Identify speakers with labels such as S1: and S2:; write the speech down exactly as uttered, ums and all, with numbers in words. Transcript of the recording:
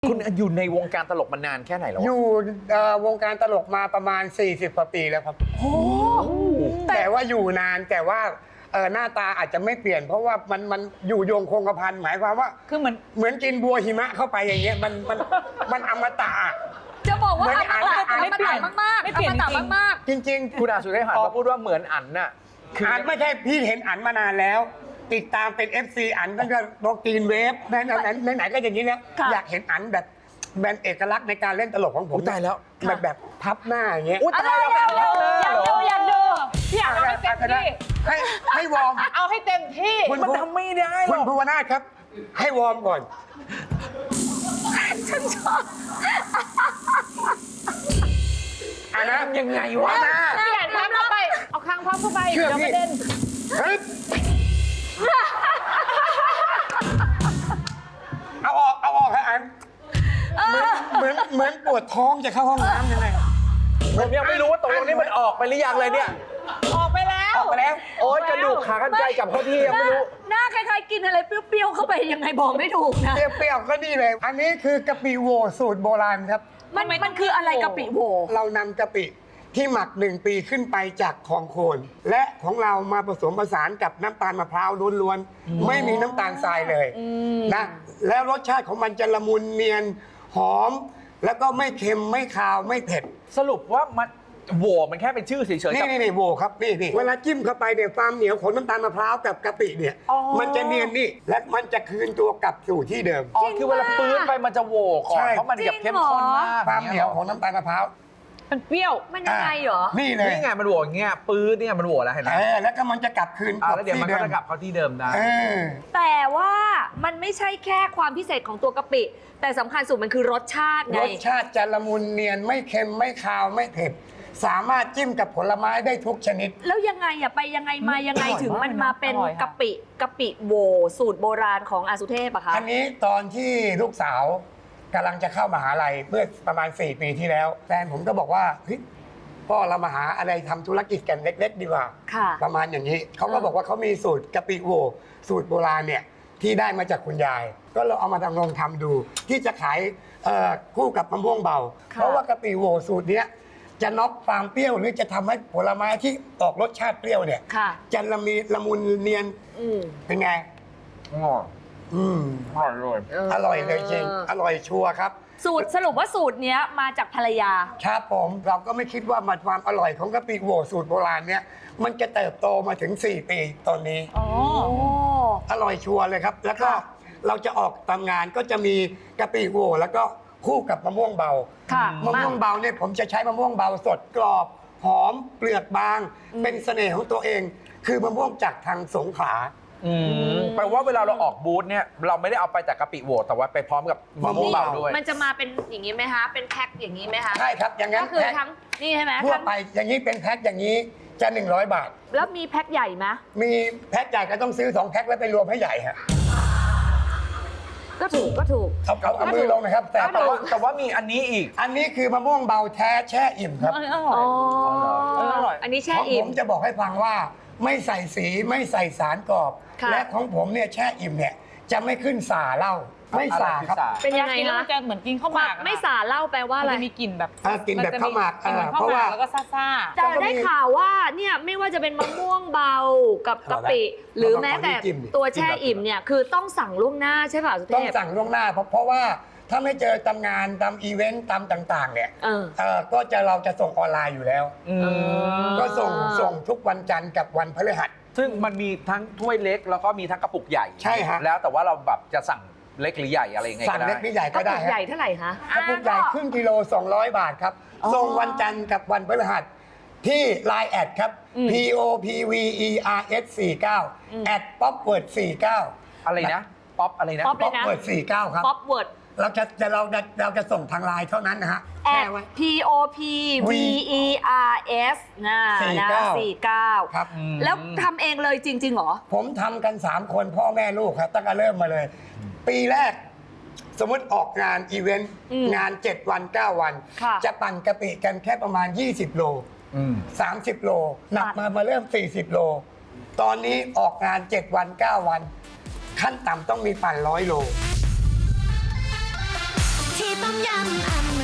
S1: คุณอยู่ในวงการตลกมานานแค่ไหนแล้ว
S2: อยู่วงการตลกมาประมาณสี่สิบกว่าปีแล้วครับโอ้แต่ว่าอยู่นานแต่ว่าหน้าตาอาจจะไม่เปลี่ยน เพราะว่ามันมันอยู่โยงคงกระพันหมายความว่าคือเหมือนเหมือนกินบัวหิมะเข้าไปอย่างเงี้ยมันมันมันอมตะ
S3: จะบอกว่าอมตะ
S4: ไม่เปลี่ยน
S3: มากๆ
S4: ไม่เปลี่ยน
S3: อมตะมากๆ
S2: จริงๆ
S1: คุณอาสุเทพหันมาพูดว่าเหมือนอันน่ะคือ
S2: อันไม่ใช่พี่เห็นอันมานานแล้ว ติดตามเป็น เอฟ ซี อันตั้งแต่ดอกตีนเวฟไหนไหนไหนก็อย่างนี้แล้วอยากเห็นอันแบบแบรนด์เอกลักษณ์ในการเล่นตลกของผม
S1: ตายแล้ว
S2: แบบแบบพับหน้าอย่างเงี้ย
S1: อุ้ยตายแล้วแบบนี้
S4: อยากดูอยากดูพี่อยากเอาให้เต็มที่
S2: ให้ให้วอร์ม
S4: เอาให้เต็มที่
S2: คุณ
S1: มันทำไม่ได้หร
S2: คุณ
S1: อก
S2: ภูวนาถครับ ให้วอร์มก่อน
S3: ฉันชอบ
S2: อันนะ
S1: ยังไงวะ
S2: อันนะ
S4: เปลี่ยนพับเข้าไป เอาคางพับเข้าไป
S2: เชื่อ
S4: เดี๋ยว
S2: พี่
S4: กระเด็น
S2: เฮ้ยเอาออกเอาออกฮะอันเหมือนเหมือนเหมือนปวดท้องจะเข้าห้องน้ำยังไง
S1: ผมยังไม่รู้ว่าตกลงนี้มันออกไปหรือยังเลยเนี่ย
S4: ออกไปแล้ว
S2: ออกไปแล้ว
S1: โอ๊ยกระดูกขากันไกลกับเข้าที่ยังไม่รู้
S3: หน้าคล้ายๆกินอะไรเปรี้ยวๆเข้าไปยังไงบอกไม่ถูกนะ
S2: เปรี้ยวๆก็นี่เลย อันนี้คือกะปิโวสูตรโบราณครับ
S3: มันมันคืออะไรกะปิโหว
S2: เรานำกะปิที่หมักหนึ่งปีขึ้นไปจากของโคน และของเรามาผสมผสานกับน้ำตาลมะพร้าวล้วนๆไม่มีน้ำตาลทรายเลยนะแล้วรสชาติของมันจะละมุนเนียนหอม แล้วก็ไม่เค็มไม่คาวไม่เผ็ด
S1: สรุปว่ามันโหวมันแค่เป็นชื่อเฉยๆ
S2: นี่
S1: กับ
S2: นี่นี่โวครับนี่นี่เวลาจิ้มเข้าไปเนี่ยความเหนียวของน้ำตาลมะพร้าวกับกะปิเนี่ย
S1: อ๋อ
S2: มันจะเนียนนี่และมันจะคืนตัวกลับสู่ที่เดิม
S1: อ๋อคือเวลาปื้นไปมันจะโหวก่อ
S2: ใช่
S1: นเพราะมันแบบเข้มข้นมาก
S2: ความเหนียวของน้ำตาลมะพร้าว
S4: มันเปรี้ยว
S3: มันยังไงเหรอ
S2: นี่เลย
S1: นี่ไงมันโหวอย่างเงี้ยปื้นเนี่ยมันโหวแล้วเห็นไหม
S2: เออแล้วก็มันจะกลับคืน
S1: อ่าแล้วเดี๋ยวมันก็
S2: ที่
S1: จะกลับเข้าที่เดิมได้
S2: เออ
S3: แต่ว่ามันไม่ใช่แค่ความพิเศษของตัวกะปิ แต่สำคัญสุดมันคือรสชาติไง
S2: รสชาติจะละมุนเนียนไม่เค็มไม่คาวไม่เผ็ดสามารถจิ้มกับผลไม้ได้ทุกชนิด
S3: แล้วยังไงอะไปยังไงมายังไง
S4: อร่อย
S3: ถึงมันมาเป็น
S4: อร่อยค่ะ
S3: กะปิกะปิโหวสูตรโบราณของอาสุเทพอะคะ
S2: อันนี้ตอนที่ลูกสาวกำลังจะเข้ามหาลัยเมื่อประมาณสี่ปีที่แล้วแฟนผมก็บอกว่าเฮ้ยพ่อเรามาหาอะไรทำธุรกิจกันเล็ก ๆ ดีกว่า
S3: ค่ะ
S2: ประมาณอย่างนี้เขาก็บอกว่าเขามีสูตรกะปิโวสูตรโบราณเนี่ยที่ได้มาจากคุณยาย ก็เราเอามาทำลองทำดู ที่จะขายเอ่อคู่กับมะม่วงเบา
S3: ค่ะ
S2: เพราะว่ากะปิโวสูตรเนี้ยจะน็อกความเปรี้ยวหรือจะทำให้ผลไม้ที่ออกรสชาติเปรี้ยวเนี่ย
S3: ค่ะ
S2: จะละมีละมุนเนียน
S3: อืม
S2: เป็นไง
S1: อ๋อ
S2: อืม
S1: อร่อยเลย
S2: อร่อยเลยจริงอร่อยชัวร์ครับ
S3: สูตรสรุปว่าสูตรเนี้ยมาจากภรรยา
S2: ครับผมเราก็ไม่คิดว่ามันความอร่อยของกะปิโวสูตรโบราณเนี่ยมันจะเติบโตมาถึงสี่ปีตอนนี้
S4: อ๋อ
S3: โอ้
S2: อร่อยชัวร์เลยครับ แล้วก็
S3: ค่ะ
S2: เราจะออกตามงานก็จะมีกะปิโวแล้วก็คู่กับมะม่วงเบา
S3: ค่ะ
S2: มะม่วงเบาเนี่ยผมจะใช้มะม่วงเบาสดกรอบ หอมเปลือกบาง เป็นเสน่ห์ของตัวเอง คือมะม่วงจากทางสงขลา
S1: อืมแปลว่าเวลาเราออกบูธเนี่ยเราไม่ได้เอาไปแต่กะปิโหวแต่ว่าไปพร้อมกับมะม่วงเบาด้วย
S3: มันจะมาเป็นอย่างนี้ไหมคะ เป็นแพ็คอย่างนี้ไหมคะ
S2: ใช่ครับ อย่างนั้น
S3: ก็คือ
S2: แพ็ค
S3: ทั้งนี่ใช่ไหม
S2: ทั่ว
S3: ทั้ง
S2: ไปอย่างนี้เป็นแพ็คอย่างนี้จะหนึ่งร้อยบาท
S3: แล้วมีแพ็คใหญ่ไหม
S2: มีแพ็คใหญ่ก็ต้องซื้อสองแพ็คแล้วไปรวมให้ใหญ่ฮะ
S3: ก็ถูกก็ถูก
S2: เอาเอาเอามือลงนะครับแต่
S3: ก็
S1: แต่
S3: ถู
S1: ว่าแต่ว่ามีอันนี้อีก
S2: อันนี้คือมะม่วงเบาแท้แช่อิ่มครับ
S4: อร่อย
S3: อ๋อ
S4: เอออร่อย
S3: อันนี้แช่
S2: ของ
S3: อิ่
S2: ผม มจะบอกให้ฟังว่าไม่ใส่สีไม่ใส่สารกรอบ
S3: ค่ะ
S2: และของผมเนี่ยแช่อิ่มเนี่ยจะไม่ขึ้นสาเหล้าไม่สาครับ
S1: อะไรคือสา
S3: เป็นยังไง
S4: กินแล้ว
S3: คะ
S4: มันจะเหมือนกินข้าวหมาก
S3: ไม่สาเหล่าแปลว่า
S4: อะ
S3: อะไร
S4: มันจะมีกลิ่นแบบ
S2: เออกินแบบข้าวหมาก
S4: กินแบบ
S2: เออ
S4: ข้าว
S2: เพราะ
S4: หมา
S2: ว่า
S4: กแล้วก็ซ่า
S3: แต่ได้ข่าวว่าเนี่ยไม่ว่าจะเป็นมะม่วงเบากับกะปิ หรือแม้แต่ตัวแช่อิ่มเนี่ยคือต้องสั่งล่วงหน้าใช่ป่ะสุเท
S2: ต้อง
S3: พ
S2: สั่งล่วงหน้าเพราะเพราะว่าถ้าไม่เจอตามงานตามอีเวนต์ตามต่างๆเนี่ย
S3: เออ
S2: เออก็จะเราจะส่งออนไลน์อยู่แล้ว
S1: อืม
S2: ก็ส่งส่งทุกวันจันทร์กับวันพฤหัส
S1: ซึ่งมันมีทั้งถ้วยเล็กแล้วก็มีทั้งกระปุกใหญ่
S2: ใช่ฮะ
S1: แล้วแต่ว่าเราแบบจะสั่งเล็กหรือใหญ่อะไรยังไง
S2: สั่
S1: ก็
S2: ง
S1: ได้
S2: เล็กนี่ใหญ่
S3: ก
S2: ก็
S3: ระปุ
S2: ได้
S3: ก
S2: ฮะ
S3: ใหญ่เท่าไหร่คะ
S2: กระปุกใหญ่ครึ่งกิโลสองร้อยบาทครับ
S3: อ๋อ
S2: ส่งวันจันทร์กับวันพฤหัสที่ ไลน์ แอดครับ
S3: อืม
S2: P O P V E R S สี่เก้าแอด popword สี่เก้า
S1: อะไรนะ ป๊อปอะไรนะ
S3: ป๊อป
S2: popword สี่เก้าครับ
S3: ป๊อปเวิร์ด
S2: เราจะจะเราจะเราจะส่งทางไลน์เท่านั้นนะฮะ
S3: แอ
S2: แช่
S3: ด
S2: ไว้
S3: P O P V E R S นะ
S2: สี่
S3: นะ
S2: เก้า
S3: สี่เก้า
S2: ครับ
S1: อืม
S3: แล้วทำเองเลยจริงๆเหรอ
S2: ผมทำกันสามคนพ่อแม่ลูกครับตั้งแต่เริ่มมาเลย ปีแรก สมมติออกงานอีเวนต์
S3: อืม
S2: งานเจ็ดวันเก้าวัน
S3: ค่ะ
S2: จะปั่นกะปิกันแค่ประมาณยี่สิบโล
S1: อืม
S2: สามสิบโลหนักมามาเริ่มสี่สิบโล ตอนนี้ออกงานเจ็ดวันเก้าวัน ขั้นต่ำต้องมีปั่นร้อยโล
S5: ทต้มยำอเม